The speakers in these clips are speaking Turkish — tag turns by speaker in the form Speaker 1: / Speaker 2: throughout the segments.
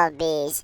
Speaker 1: Abiş.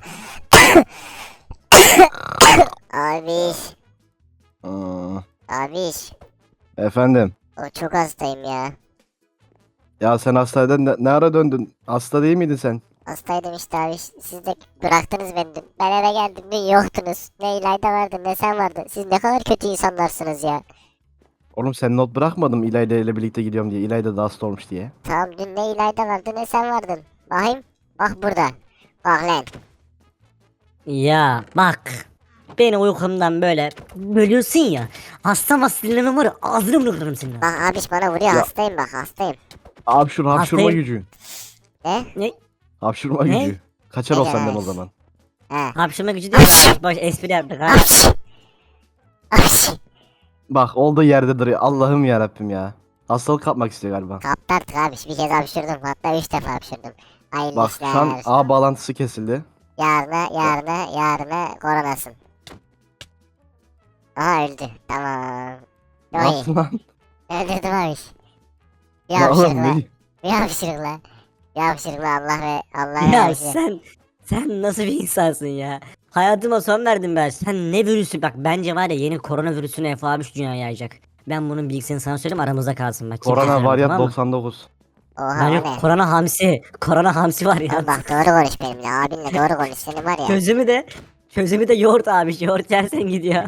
Speaker 1: Abiş.
Speaker 2: Aa,
Speaker 1: Abiş.
Speaker 2: efendim.
Speaker 1: O çok hastayım ya.
Speaker 2: Ya sen hastaneden ne ara döndün? Hasta değil miydin sen?
Speaker 1: Hastaydım işte abiş. Siz de bıraktınız beni dün. Ben eve geldim dün yoktunuz. Ne İlayda vardı ne sen vardın. Siz ne kadar kötü insanlarsınız ya.
Speaker 2: Oğlum sen not bırakmadın mı İlayda ile birlikte gidiyorum diye. İlayda da hasta olmuş diye.
Speaker 1: Tamam dün ne İlayda vardı ne sen vardın. Bakayım. Bak burada. Bak lan.
Speaker 3: Ya bak. Beni uykumdan böyle bölüyorsun ya. Hasta dinlemem var ya, ağzını bırakırım senin.
Speaker 1: Bak abiş bana vuruyor
Speaker 2: Ya.
Speaker 1: hastayım bak hastayım.
Speaker 2: Hapşurma
Speaker 3: Hastayım.
Speaker 2: gücü.
Speaker 1: Ne?
Speaker 3: Ne?
Speaker 2: Hapşurma
Speaker 3: Ne?
Speaker 2: gücü. Kaçar ol
Speaker 1: Ne
Speaker 2: senden o
Speaker 1: demek?
Speaker 2: zaman.
Speaker 1: He.
Speaker 3: Hapşırma gücü değil. Boş boş espri yaptık ha.
Speaker 1: Abiş. Abiş.
Speaker 2: Bak olduğu yerde duruyor. Allah'ım yarabbim ya. Hastalık kapmak istiyor galiba.
Speaker 1: Kaptı artık abiş. Bir kez hapşırdım. Hatta 3 defa hapşırdım. Hayırlı
Speaker 2: Bak şu an
Speaker 1: işler.
Speaker 2: ağ bağlantısı kesildi.
Speaker 1: Yarına koronasın. Aha öldü. Tamam.
Speaker 2: Ne
Speaker 1: Oy.
Speaker 2: yaptın lan?
Speaker 1: Öldürdüm abiş. Bir
Speaker 2: Ya oğlum
Speaker 1: hapşırıkla.
Speaker 2: ne?
Speaker 1: Bir hapşırıkla. Bir hapşırıkla Allah
Speaker 3: Ya
Speaker 1: versin.
Speaker 3: sen nasıl bir insansın ya? Hayatıma son verdim ben. Sen ne virüsü bak bence var ya yeni koronavirüsünü F-13 dünyaya yayacak. Ben bunun bilgisini sana söyleyeyim aramızda kalsın bak. kimseye
Speaker 2: Korona
Speaker 3: söyleme,
Speaker 2: varyant
Speaker 3: tamam mı?
Speaker 2: 99.
Speaker 1: Oha
Speaker 3: Ben
Speaker 1: o
Speaker 3: yok
Speaker 1: ne?
Speaker 3: korona hamsi var ya.
Speaker 1: Oğlum bak doğru konuş benimle. Abinle doğru konuş. Senin var ya.
Speaker 3: Çözümü de yoğurt abi. Yoğurt yersen gidiyor.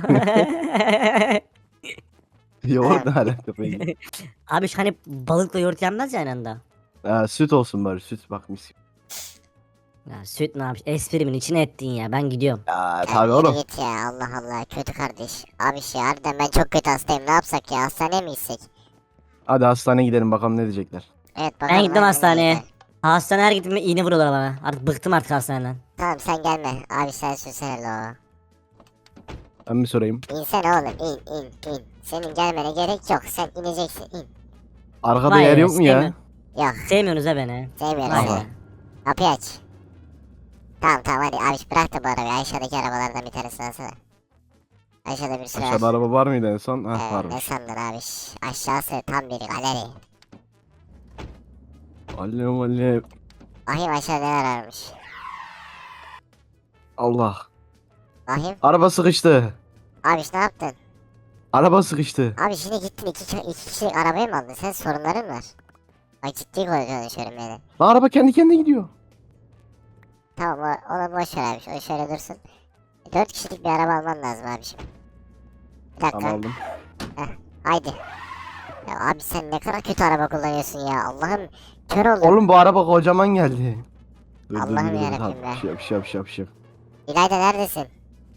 Speaker 2: Yoğurt ne alaka peki?
Speaker 3: Abi hani balıkla yoğurt yenmez ya aynı anda.
Speaker 2: Ha, süt olsun bari süt bak mis.
Speaker 3: Ya süt ne yapmış? Esprimin içine ettin ya. Ben gidiyorum.
Speaker 2: Ya
Speaker 1: Ya
Speaker 2: tabii
Speaker 1: yürü
Speaker 2: oğlum.
Speaker 1: git ya Allah Allah kötü kardeş. Abi şey harbiden ben çok kötü hastayım ne yapsak ya hastaneye mi gitsek?
Speaker 2: Hadi hastaneye gidelim bakalım ne diyecekler.
Speaker 1: Evet bakalım.
Speaker 3: Ben gittim
Speaker 1: harbiden
Speaker 3: hastaneye.
Speaker 1: iyidir.
Speaker 3: Hastaneye her gittiğimde iğne vuruyorlar bana. Artık bıktım artık hastaneden.
Speaker 1: Tamam sen gelme abi sen sürsene lo.
Speaker 2: Ben mi sorayım?
Speaker 1: İnsene oğlum in. Senin gelmene gerek yok sen ineceksin in.
Speaker 2: Arkada
Speaker 3: Vay
Speaker 2: yer
Speaker 3: be,
Speaker 2: yok mu ya?
Speaker 1: Yok
Speaker 3: Sevmiyorsunuz ha beni.
Speaker 1: sevmiyorum
Speaker 3: Vay
Speaker 1: seni.
Speaker 3: be.
Speaker 1: Kapıyı aç. Tamam hadi abi bırak da bu arabayı aşağıdaki arabalardan bir tanesini alsana. Aşağıda bir sürü var.
Speaker 2: Aşağıda araba var mıydı en son? Hah
Speaker 1: Ne
Speaker 2: varmış.
Speaker 1: sandın abi? Aşağısı tam bir galeri.
Speaker 2: Alev alev.
Speaker 1: Bakayım aşağıda neler varmış.
Speaker 2: Allah.
Speaker 1: Bakayım.
Speaker 2: Araba sıkıştı.
Speaker 1: Abi ne yaptın?
Speaker 2: Araba sıkıştı.
Speaker 1: Abi şimdi gittin iki kişilik arabayı mı aldın? Sen sorunların var. Bak ciddi konuşuyorum yani.
Speaker 2: Lan araba kendi kendine gidiyor.
Speaker 1: Tamam onu boş ver abi. O şöyle dursun. 4 kişilik bir araba alman lazım abiciğim. Bir dakika.
Speaker 2: Tamam aldım.
Speaker 1: Haydi. Ya abi sen ne kadar kötü araba kullanıyorsun ya. Allah'ım kör oldum.
Speaker 2: Oğlum bu araba kocaman geldi.
Speaker 1: Allah'ım yarabbim
Speaker 2: Tamam,
Speaker 1: be.
Speaker 2: bir şey.
Speaker 1: İlayda neredesin?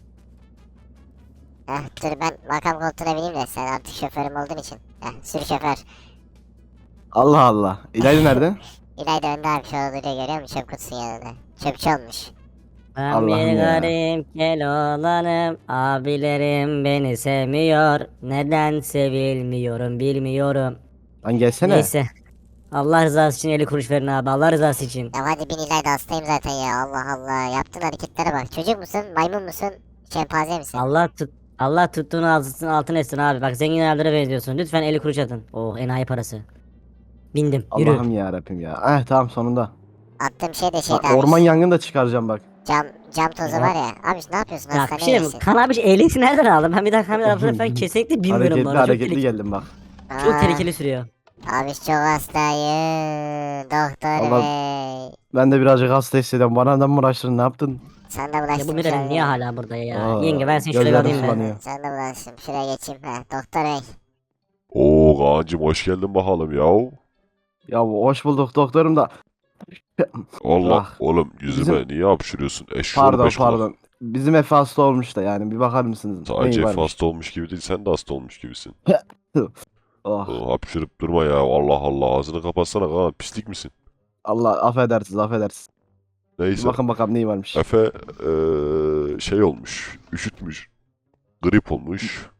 Speaker 1: Dur ben makam koltuğuna bineyim de sen artık şoförüm olduğun için. Sür şoför.
Speaker 2: Allah Allah. İlayda nerede?
Speaker 1: İlayda önde abi şu an duruyor görüyor musun? Çöp kutusunun yanında. Çöpçü olmuş.
Speaker 3: Ben
Speaker 2: Allah'ım
Speaker 3: bir
Speaker 2: ya.
Speaker 3: garip Keloğlanım. Abilerim beni sevmiyor. Neden sevilmiyorum bilmiyorum.
Speaker 2: Lan gelsene.
Speaker 3: Neyse. Allah rızası için 50 kuruş verin abi. Allah rızası için.
Speaker 1: Ya hadi bin İlayda hastayım zaten ya. Allah Allah. Yaptığın hareketlere bak. Çocuk musun? Maymun musun? Şempanze misin?
Speaker 3: Allah tuttuğunu altın etsin abi. Bak zengin abilere benziyorsun. Lütfen 50 kuruş atın. Oh enayi parası. Bindim. Yürü.
Speaker 2: Allah'ım ya Rabbim ya. Tamam sonunda.
Speaker 1: Attığım şey de
Speaker 2: Bak,
Speaker 1: şeydi abi.
Speaker 2: orman yangını da çıkaracağım bak.
Speaker 1: Cam tozu
Speaker 3: Ya.
Speaker 1: var ya. Abi ne yapıyorsun?
Speaker 3: Ya bir
Speaker 1: Hastaneye
Speaker 3: şey diyeyim mi?
Speaker 1: gitsin.
Speaker 3: Kan abi ehliyeti nereden aldın? Ben bir daha kamera falan kesinlikle bilmiyorum bu arada. Çok
Speaker 2: Hareketli
Speaker 3: tehlikeli,
Speaker 2: geldim bak.
Speaker 3: çok tehlikeli sürüyor.
Speaker 1: Abi çok hastayım. Doktor
Speaker 2: Allah-
Speaker 1: bey.
Speaker 2: Ben de birazcık hasta hissediyorum. Bana neden mi uğraştın ne yaptın?
Speaker 1: Sen de
Speaker 3: Ya bu
Speaker 1: bulaştın
Speaker 3: Miren niye hala burada ya?
Speaker 2: Aa,
Speaker 3: Yenge ben seni şuraya
Speaker 2: gözlerim
Speaker 3: alayım ben.
Speaker 2: sulanıyor.
Speaker 1: Sen de bulaştın. Şuraya geçeyim. Doktor bey.
Speaker 4: Oo Kaan'cım hoş geldin bakalım ya.
Speaker 2: Ya hoş bulduk doktorum da.
Speaker 4: Allah
Speaker 2: Ah,
Speaker 4: oğlum yüzüme
Speaker 2: bizim-
Speaker 4: niye hapşırıyorsun? Eşşoğlu beş kulak.
Speaker 2: Pardon. Bizim Efe hasta olmuş da yani bir bakar mısınız?
Speaker 4: Sadece
Speaker 2: Neyi
Speaker 4: Efe
Speaker 2: varmış?
Speaker 4: hasta olmuş gibi değil sen de hasta olmuş gibisin.
Speaker 2: Oh,
Speaker 4: Hapşırıp durma ya Allah Allah ağzını kapatsana Kaan pislik misin?
Speaker 2: Allah affedersiniz. Bir
Speaker 4: Neyse
Speaker 2: bakın bakalım neyi varmış.
Speaker 4: Efe şey olmuş üşütmüş. Grip olmuş.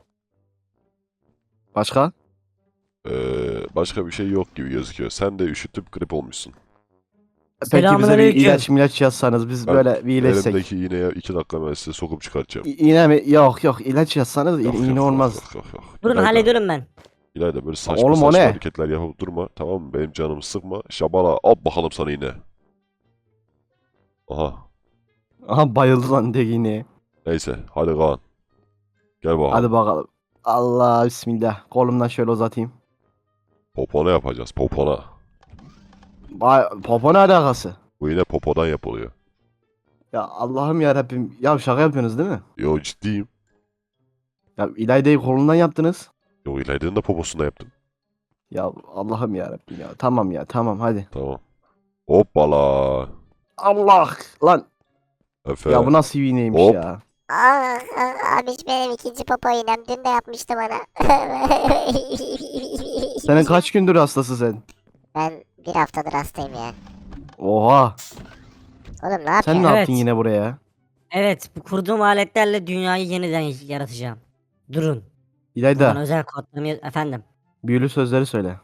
Speaker 2: Başka?
Speaker 4: Başka bir şey yok gibi gözüküyor. Sen de üşütüp grip olmuşsun.
Speaker 2: Peki bize bir
Speaker 3: Selamünaleyküm.
Speaker 2: ilaç yazsanız biz
Speaker 4: Ben
Speaker 2: böyle bir iyileşsek.
Speaker 4: Elimdeki iğneye 2 dakika ben size sokup çıkartacağım.
Speaker 2: İğne mi? Yok ilaç yazsanız
Speaker 4: Yok,
Speaker 2: iğne
Speaker 4: yok,
Speaker 2: olmaz.
Speaker 4: yok.
Speaker 3: Durun
Speaker 4: İlayda-
Speaker 3: hallediyorum ben.
Speaker 4: İlayda böyle saçma
Speaker 2: Oğlum, o
Speaker 4: saçma
Speaker 2: ne?
Speaker 4: hareketler yapıp durma tamam mı? Benim canımı sıkma. Şabala al bakalım sana yine. Aha.
Speaker 2: Aha bayıldı lan tekini.
Speaker 4: Neyse hadi Kaan. Gel bakalım.
Speaker 2: Hadi bakalım. Allah bismillah. Kolumdan şöyle uzatayım.
Speaker 4: Popona yapacağız popona.
Speaker 2: Popo ne alakası?
Speaker 4: Bu yine popodan yapılıyor.
Speaker 2: Ya Allah'ım ya Rabbim. Ya şaka yapıyorsunuz değil mi?
Speaker 4: Yo ciddiyim.
Speaker 2: Ya İlayda'yı kolundan yaptınız.
Speaker 4: Yo İlayda'nın da poposunda yaptım.
Speaker 2: Ya Allah'ım ya Rabbim ya. Tamam ya tamam hadi.
Speaker 4: Tamam. Hoppala.
Speaker 2: Allah lan.
Speaker 4: Efe.
Speaker 2: Ya bu nasıl bir iğneymiş
Speaker 4: Hop.
Speaker 2: ya.
Speaker 1: Abiş benim ikinci popo iğnem. Dün de yapmıştı bana.
Speaker 2: Senin kaç gündür hastası sen?
Speaker 1: Ben bir haftadır hastayım ya.
Speaker 2: Oha.
Speaker 1: Oğlum ne
Speaker 2: Sen
Speaker 1: yapıyorsun?
Speaker 2: ne
Speaker 3: Evet.
Speaker 2: yaptın yine buraya?
Speaker 3: Evet, bu kurduğum aletlerle dünyayı yeniden yaratacağım. Durun. Buradan
Speaker 2: İlayda
Speaker 3: özel kodlarımı efendim.
Speaker 2: büyülü sözleri söyle.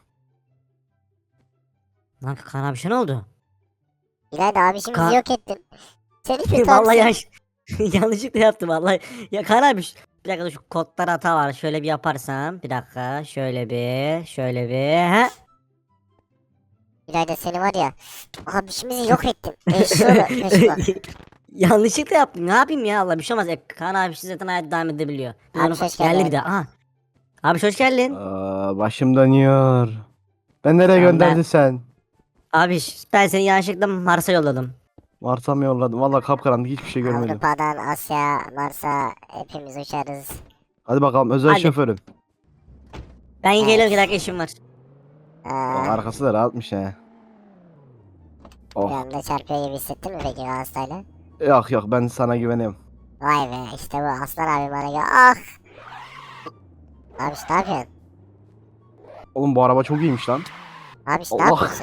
Speaker 3: Lan Kaan abi şey ne oldu?
Speaker 1: İlayda abişimizi
Speaker 3: Ka-
Speaker 1: yok ettin. Seni kötü
Speaker 3: Vallahi
Speaker 1: abisi.
Speaker 3: yanlışlıkla yaptım vallahi. Ya Kaan abi bir dakika dur, şu kodlar hata var. Şöyle bir yaparsam. Bir dakika. Şöyle bir. He?
Speaker 1: İlayda seni var ya. Abişimizi yok ettin. Eşşoğlu. Eşşoğlu.
Speaker 3: Yanlışlıkla yaptım. Ne yapayım ya Allah bir şey olmaz. Kaan abi zaten hayat devam edebiliyor.
Speaker 1: Abi
Speaker 3: Onu
Speaker 1: hoş
Speaker 3: geldi
Speaker 1: geldin.
Speaker 3: bir de. Aha. Abi hoş geldin.
Speaker 2: Başım dönüyor. Ben nereye
Speaker 3: Tamam,
Speaker 2: gönderdin
Speaker 3: ben-
Speaker 2: sen?
Speaker 3: Abi ben seni yanlışlıkla Mars'a yolladım.
Speaker 2: Mars'a mı yolladın? Valla kapkaranlık hiçbir şey görmedim.
Speaker 1: Avrupa'dan Asya, Mars'a hepimiz uçarız.
Speaker 2: Hadi bakalım özel
Speaker 3: Hadi.
Speaker 2: şoförüm.
Speaker 3: Ben geliyorum, bir dakika işim var.
Speaker 2: O
Speaker 1: Ee,
Speaker 2: arkası da rahatmış he.
Speaker 1: bir
Speaker 2: Oh.
Speaker 1: anda çarpıyor gibi hissettin mi peki hastayla?
Speaker 2: Yok yok ben sana güveniyorum.
Speaker 1: Vay be işte bu Aslan abi bana gel. Ah! Abi ne yapıyorsun?
Speaker 2: Oğlum bu araba çok iyiymiş lan.
Speaker 1: Abi ne
Speaker 2: Allah.
Speaker 1: yapıyorsun?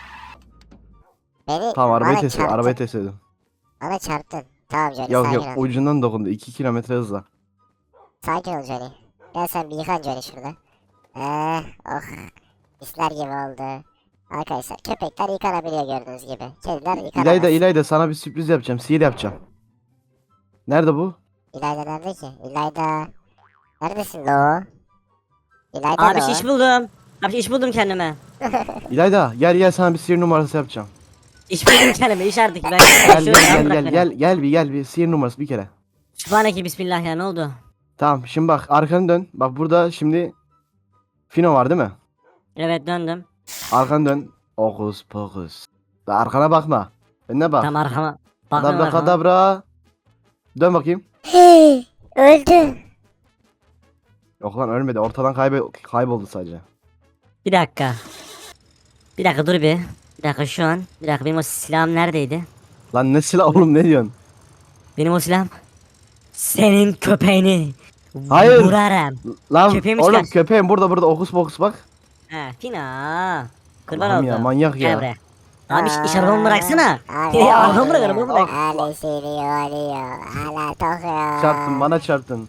Speaker 1: Beni
Speaker 2: Tamam arabayı
Speaker 1: bana
Speaker 2: test
Speaker 1: çarptın.
Speaker 2: arabayı test edin.
Speaker 1: Bana çarptın. Tamam Johnny
Speaker 2: Yok
Speaker 1: sakin
Speaker 2: yok
Speaker 1: ol.
Speaker 2: ucundan dokundu 2 kilometre hızla.
Speaker 1: Sakin ol Johnny. Gel sen bir yıkan Johnny şurada. Oh. Misler gibi oldu. Arkadaşlar köpekler yıkanabiliyor gördüğünüz gibi. Kediler yıkanamaz.
Speaker 2: İlayda sana bir sürpriz yapacağım. Sihir yapacağım. Nerede bu?
Speaker 1: İlayda nerede ki? İlayda. Neredesin lo? İlayda
Speaker 3: Abi
Speaker 1: lo.
Speaker 3: iş buldum. Abi iş buldum kendime.
Speaker 2: İlayda gel sana bir sihir numarası yapacağım.
Speaker 3: İş buldum kendime, iş artık. Ben
Speaker 2: Gel
Speaker 3: Şöyle
Speaker 2: gel
Speaker 3: bırak
Speaker 2: gel
Speaker 3: beni.
Speaker 2: gel bir sihir numarası bir kere.
Speaker 3: Sübhaneke bismillah ya, ne oldu?
Speaker 2: Tamam şimdi bak arkanı dön. Bak burada şimdi Fino var değil mi?
Speaker 3: Evet, döndüm.
Speaker 2: Arkanı dön. Okus pokus. Da arkana bakma. Önüne bak.
Speaker 3: Tam arkama. Bakıyorum
Speaker 2: Kadabra
Speaker 3: arkama.
Speaker 2: kadabra. Dön bakayım.
Speaker 1: Öldü.
Speaker 2: Yok lan ölmedi. Ortadan kayboldu sadece.
Speaker 3: Bir dakika. Bir dakika dur bir. Bir dakika şu an. Bir dakika, benim o silahım neredeydi?
Speaker 2: Lan ne silah oğlum ne diyorsun?
Speaker 3: Benim o silahım. Senin köpeğini.
Speaker 2: Hayır.
Speaker 3: Vurarım.
Speaker 2: Lan
Speaker 3: Köpeğimi
Speaker 2: oğlum
Speaker 3: çıkar.
Speaker 2: köpeğim burada okus pokus bak.
Speaker 3: He Fina. Kurban
Speaker 2: Allah'ım
Speaker 3: oldu.
Speaker 2: ya, manyak
Speaker 3: Gel
Speaker 2: ya.
Speaker 3: buraya. Abi iş arabamı bıraksana.
Speaker 1: Abi,
Speaker 3: Arabamı bırak, arabamı bırak.
Speaker 1: Ali seni yoruyor. Hala tokuyor.
Speaker 2: Çarptın bana çarptın.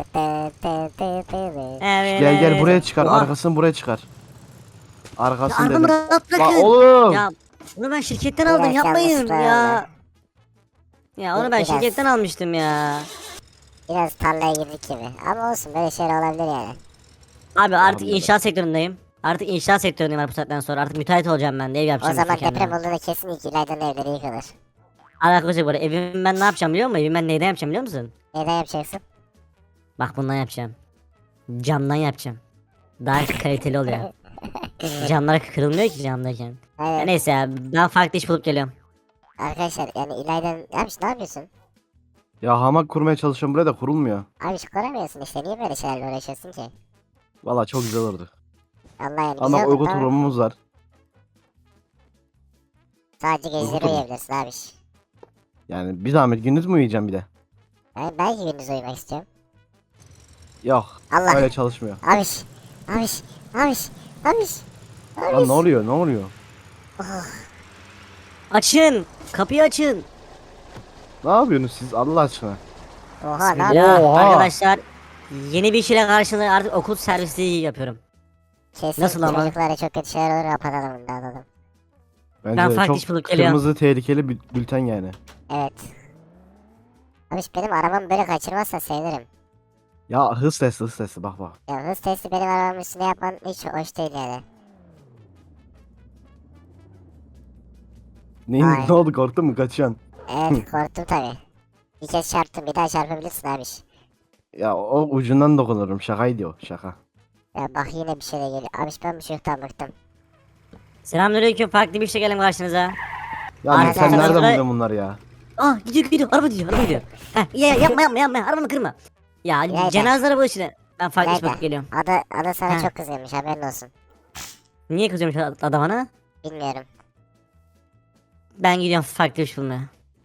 Speaker 3: Evet.
Speaker 2: Gel buraya çıkar.
Speaker 3: Oha.
Speaker 2: Arkasını buraya çıkar.
Speaker 3: Ya
Speaker 2: Arkasını
Speaker 3: arabamı
Speaker 2: dedim.
Speaker 3: rahat
Speaker 2: Lan
Speaker 3: bırakın.
Speaker 2: oğlum.
Speaker 3: Ya bunu ben şirketten aldım,
Speaker 1: Biraz
Speaker 3: yapmayın
Speaker 1: yanlışlıkla
Speaker 3: ya. Ya onu ben
Speaker 1: Biraz.
Speaker 3: şirketten almıştım ya.
Speaker 1: Biraz tarlaya girdik gibi. Ama olsun böyle şeyler olabilir yani.
Speaker 3: Abi artık
Speaker 2: Allah'ım
Speaker 3: inşaat sektöründeyim. Artık inşaat sektöründeyim abi bu saatten sonra. Artık müteahhit olacağım ben de, ev
Speaker 1: O
Speaker 3: yapacağım.
Speaker 1: zaman
Speaker 3: kendime.
Speaker 1: deprem olduğunda kesin ilk İlayda'nın evleri yıkılır.
Speaker 3: Alakası yok bu arada. Evimi ben ne yapacağım biliyor musun? Evimi ben neyden yapacağım biliyor musun?
Speaker 1: Neden yapacaksın?
Speaker 3: Bak bundan yapacağım. Camdan yapacağım. Daha kaliteli oluyor. Camlar kırılmıyor ki camdayken. Ya
Speaker 1: Aynen.
Speaker 3: neyse ya, ben farklı iş bulup geliyorum.
Speaker 1: Arkadaşlar yani İlayda'nın... Abi ne yapıyorsun?
Speaker 2: Ya hamak kurmaya çalışıyorum buraya da kurulmuyor.
Speaker 1: Abi kuramıyorsun işte niye böyle şeylerle uğraşıyorsun ki?
Speaker 2: Valla çok güzel oldu.
Speaker 1: Allah yani
Speaker 2: Ama
Speaker 1: güzel
Speaker 2: uyku
Speaker 1: oldu ama
Speaker 2: tulumumuz var.
Speaker 1: sadece geceleri
Speaker 2: Uyku tulumu.
Speaker 1: uyuyabilirsin abi.
Speaker 2: Yani bir zahmet gündüz mü uyuyacağım bir de?
Speaker 1: Ben belki gündüz uyumak istiyorum.
Speaker 2: Yok.
Speaker 1: Allah.
Speaker 2: Öyle çalışmıyor.
Speaker 1: Abiş. Abiş. Abiş. Abiş.
Speaker 2: Lan ne oluyor ne oluyor?
Speaker 3: Açın! Kapıyı açın!
Speaker 2: Ne yapıyorsunuz siz Allah aşkına?
Speaker 1: Oha ne
Speaker 3: Ya
Speaker 1: yapıyorsun?
Speaker 2: Oha.
Speaker 3: arkadaşlar, yeni bir işle karşılığı artık okul servisliği yapıyorum.
Speaker 1: Kesin
Speaker 3: Nasıl ama?
Speaker 1: çocuklara çok kötü şeyler olur kapatalım bunu dağıtalım.
Speaker 2: Bence
Speaker 3: farklı
Speaker 2: çok
Speaker 3: iş bulup geliyorum.
Speaker 2: kırmızı tehlikeli bülten yani.
Speaker 1: Evet. Abiş benim arabamı böyle kaçırmazsan sevinirim.
Speaker 2: Ya hız testi bak bak.
Speaker 1: Ya hız testi benim arabamın üstüne yapman hiç hoş değil yani.
Speaker 2: Neyin
Speaker 1: Ay.
Speaker 2: ne oldu korktun mu kaçıyorsun?
Speaker 1: Evet korktum tabi. Bir kez çarptım bir daha çarpabilirsin abi.
Speaker 2: Ya o ucundan dokunurum. Şakaydı o. Şaka.
Speaker 1: Ya bak yine bir şey de geliyor. Abi ben bu çocuktan bıktım.
Speaker 3: Selamünaleyküm. Farklı bir şey gelin karşınıza.
Speaker 2: Ya
Speaker 3: Aynen,
Speaker 2: sen
Speaker 3: sen
Speaker 2: nereden
Speaker 3: sonra-
Speaker 2: buluyorsun bunları ya?
Speaker 3: Gidiyor. Araba gidiyor. Heh, yapma. Arabamı kırma. Ya
Speaker 1: Nerede?
Speaker 3: cenaze araba işine. Ben farklı iş
Speaker 1: Nerede?
Speaker 3: bakıp geliyorum.
Speaker 1: Ada sana
Speaker 3: Ha.
Speaker 1: çok kızıyormuş haberin olsun.
Speaker 3: Niye kızıyormuş adam bana?
Speaker 1: Bilmiyorum.
Speaker 3: Ben gidiyorum farklı iş bulmaya.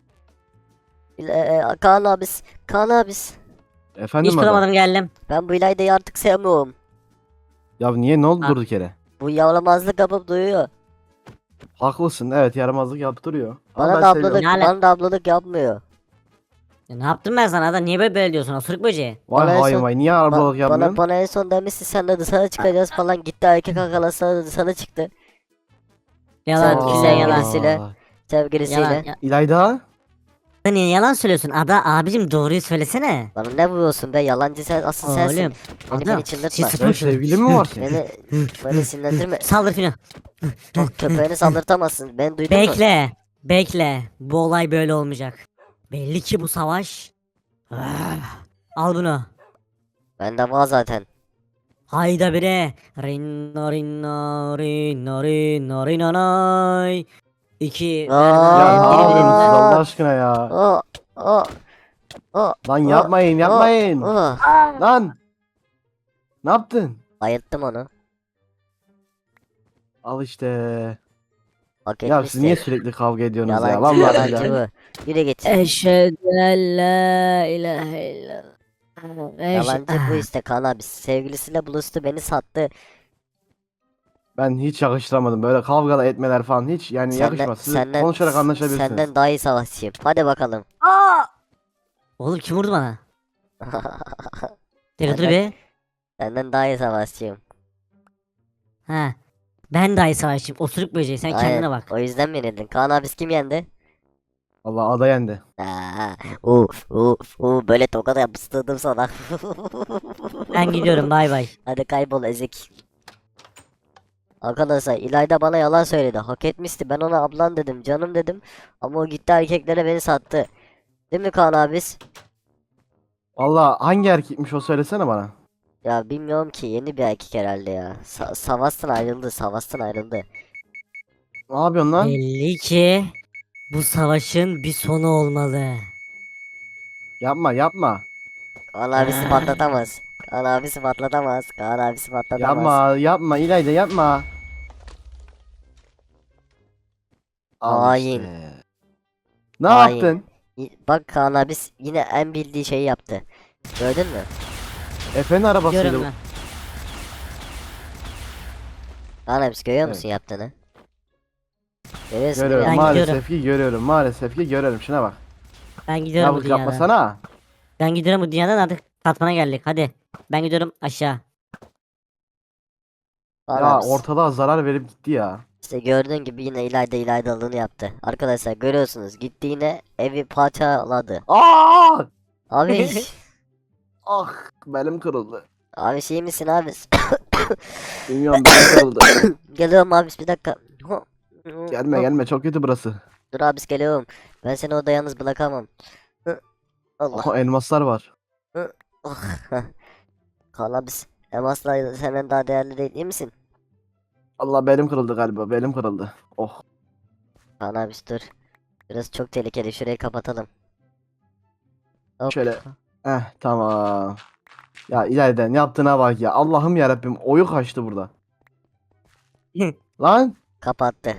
Speaker 5: Kaan abis, Kaan abis.
Speaker 2: Efendim
Speaker 3: İş
Speaker 2: adam?
Speaker 3: bulamadım geldim.
Speaker 5: Ben bu İlayda'yı artık sevmiyorum.
Speaker 2: Ya niye ne oldu
Speaker 3: Ha.
Speaker 2: durduk yere?
Speaker 5: Bu yavlamazlık yapıp duyuyor.
Speaker 2: Haklısın. Evet yaramazlık yaptırıyor. Ama
Speaker 5: Bana
Speaker 2: ben
Speaker 5: da
Speaker 2: seviyorum.
Speaker 5: ablalık,
Speaker 3: Ne ala-
Speaker 5: bana da ablalık yapmıyor.
Speaker 3: Ya ne yaptım ben sana da? Niye böyle diyorsun? Osuruk böceği.
Speaker 2: Vay
Speaker 5: Bana en
Speaker 2: hain
Speaker 5: son-
Speaker 2: vay. Niye arabalık
Speaker 5: Bana,
Speaker 2: yapmıyorsun?
Speaker 5: bana en son demişsin sen de dışarı çıkacağız falan gitti erkek arkadaşlar da dışarı çıktı.
Speaker 3: Yalan,
Speaker 5: Sen-
Speaker 3: güzel
Speaker 5: sen
Speaker 3: yalan.
Speaker 5: birisiyle. Sevgilisiyle.
Speaker 3: Yalan. Ya,
Speaker 2: İlayda?
Speaker 3: niye yalan söylüyorsun? Ada abicim doğruyu söylesene.
Speaker 5: Bana ne vuruyorsun be yalancı sen asıl sensin.
Speaker 3: Oğlum.
Speaker 5: Beni
Speaker 3: Ada.
Speaker 5: çıldırtma.
Speaker 3: Siz
Speaker 2: Sen
Speaker 3: sıfırsın.
Speaker 2: sevgilin mi var senin?
Speaker 5: Beni sinirlendirme.
Speaker 3: Saldır Fino.
Speaker 5: Bak köpeğini saldırtamazsın. Ben duydun mu?
Speaker 3: Bekle. Bu olay böyle olmayacak. Belli ki bu savaş. Al bunu.
Speaker 5: Bende var zaten.
Speaker 3: Hayda bire. Rinno rinno rinno rinno rinno nay. İki.
Speaker 5: Aa.
Speaker 2: Ya ne yapıyorsunuz
Speaker 5: Aa.
Speaker 2: Allah aşkına ya?
Speaker 5: O o o.
Speaker 2: Lan yapmayın.
Speaker 5: O.
Speaker 2: Lan. Ne yaptın?
Speaker 5: Bayılttım onu.
Speaker 2: Al işte.
Speaker 5: Hak
Speaker 2: Ya
Speaker 5: etmişti.
Speaker 2: siz niye sürekli kavga ediyorsunuz ya?
Speaker 5: Yalancı,
Speaker 2: Vallahi
Speaker 5: yalancı
Speaker 2: billahi.
Speaker 5: bu. Yürü git.
Speaker 3: Eşhedü en la ilahe illallah.
Speaker 5: Yalancı bu işte Kaan abi. Sevgilisiyle buluştu beni sattı.
Speaker 2: Ben hiç yakıştıramadım. Böyle kavga etmeler falan hiç yani yakışmaz. Siz konuşarak anlaşabilirsiniz.
Speaker 5: Senden daha iyi savaşçıyım. Hadi bakalım.
Speaker 3: Oğlum kim vurdu bana? Dur dur be.
Speaker 5: Senden daha iyi savaşçıyım.
Speaker 3: Ha. Ben dahi savaşçıyım. Osuruk böceği sen kendine
Speaker 5: Aynen,
Speaker 3: bak.
Speaker 5: O yüzden beni yedin. Kaan abi kim yendi?
Speaker 2: Allah ada yendi.
Speaker 5: Böyle tokat yapıştırdım sana.
Speaker 3: Ben gidiyorum bay bay.
Speaker 5: Hadi kaybol ezik. Arkadaşlar İlayda bana yalan söyledi. Hak etmişti. Ben ona ablan dedim, canım dedim. Ama o gitti erkeklere beni sattı. Değil mi Kaan abis?
Speaker 2: Allah hangi erkekmiş o söylesene bana.
Speaker 5: Ya bilmiyorum ki yeni bir erkek herhalde ya. Savaştan ayrıldı, savaştan ayrıldı.
Speaker 2: Ne yapıyorsun lan?
Speaker 3: Belli ki bu savaşın bir sonu olmalı.
Speaker 2: Yapma.
Speaker 5: Kaan abisi patlatamaz. Kaan abisi patlatamaz. Kaan abisi patlatamaz.
Speaker 2: Yapma İlayda yapma. Al
Speaker 5: Hain.
Speaker 2: işte. Ne
Speaker 5: Hain.
Speaker 2: yaptın?
Speaker 5: Bak Kaan abis yine en bildiği şeyi yaptı. Gördün mü?
Speaker 2: Efe'nin arabasıydı.
Speaker 3: Diyorum
Speaker 2: bu.
Speaker 3: ben.
Speaker 5: Kaan abis görüyor
Speaker 2: Evet.
Speaker 5: musun yaptığını? Görüyorsun değil
Speaker 2: Görüyorum.
Speaker 5: mi?
Speaker 3: Ben
Speaker 2: Maalesef ki görüyorum. Şuna bak.
Speaker 3: Ben gidiyorum bu
Speaker 2: Yavuk
Speaker 3: dünyadan.
Speaker 2: yapmasana.
Speaker 3: Ben gidiyorum bu dünyadan artık katmana geldik. Hadi. Ben gidiyorum aşağı.
Speaker 5: Kaan
Speaker 2: Ya
Speaker 5: abis.
Speaker 2: ortalığa zarar verip gitti ya.
Speaker 5: İşte gördüğün gibi yine ilaydalığını yaptı. Arkadaşlar görüyorsunuz gitti yine evi parçaladı.
Speaker 2: Aa!
Speaker 5: Abi
Speaker 2: Ah belim kırıldı.
Speaker 5: abi şey misin abi?
Speaker 2: Bilmiyorum belim kırıldı.
Speaker 5: Geliyorum abi bir dakika.
Speaker 2: Gelme çok kötü burası.
Speaker 5: Dur abis geliyorum. Ben seni orada yalnız bırakamam. Allah.
Speaker 2: Oha elmaslar var.
Speaker 5: Oh. Kaan abis. Elmaslar senden daha değerli değil misin?
Speaker 2: Allah belim kırıldı galiba belim kırıldı. Oh.
Speaker 5: Kaan abis dur. Burası çok tehlikeli şurayı kapatalım. Hop.
Speaker 2: Şöyle. Tamam. Ya ileriden yaptığına bak ya. Allah'ım yarabbim oyu kaçtı burada. Lan.
Speaker 5: Kapattı.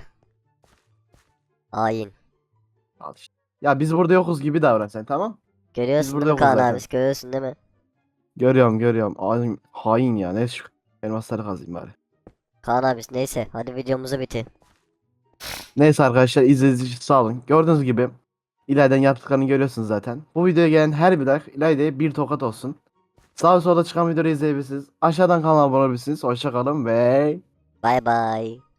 Speaker 5: Hain.
Speaker 2: Al işte. Ya biz burada yokuz gibi davran sen tamam?
Speaker 5: Görüyorsun
Speaker 2: burada
Speaker 5: değil mi
Speaker 2: yokuz
Speaker 5: Kaan
Speaker 2: zaten.
Speaker 5: abis? Görüyorsun değil mi?
Speaker 2: Görüyorum. Hain ya. Ne şu elmasları kazayım bari.
Speaker 5: Kaan abis neyse hadi videomuzu bitir.
Speaker 2: Neyse arkadaşlar izlediğiniz için sağ olun. Gördüğünüz gibi İlayda'nın yaptıklarını görüyorsunuz zaten. Bu videoya gelen her bir like İlayda'ya bir tokat olsun. Sağ ve solda çıkan videoları izleyebilirsiniz. Aşağıdan kanala abone olabilirsiniz. Hoşça kalın ve
Speaker 5: Bay bay.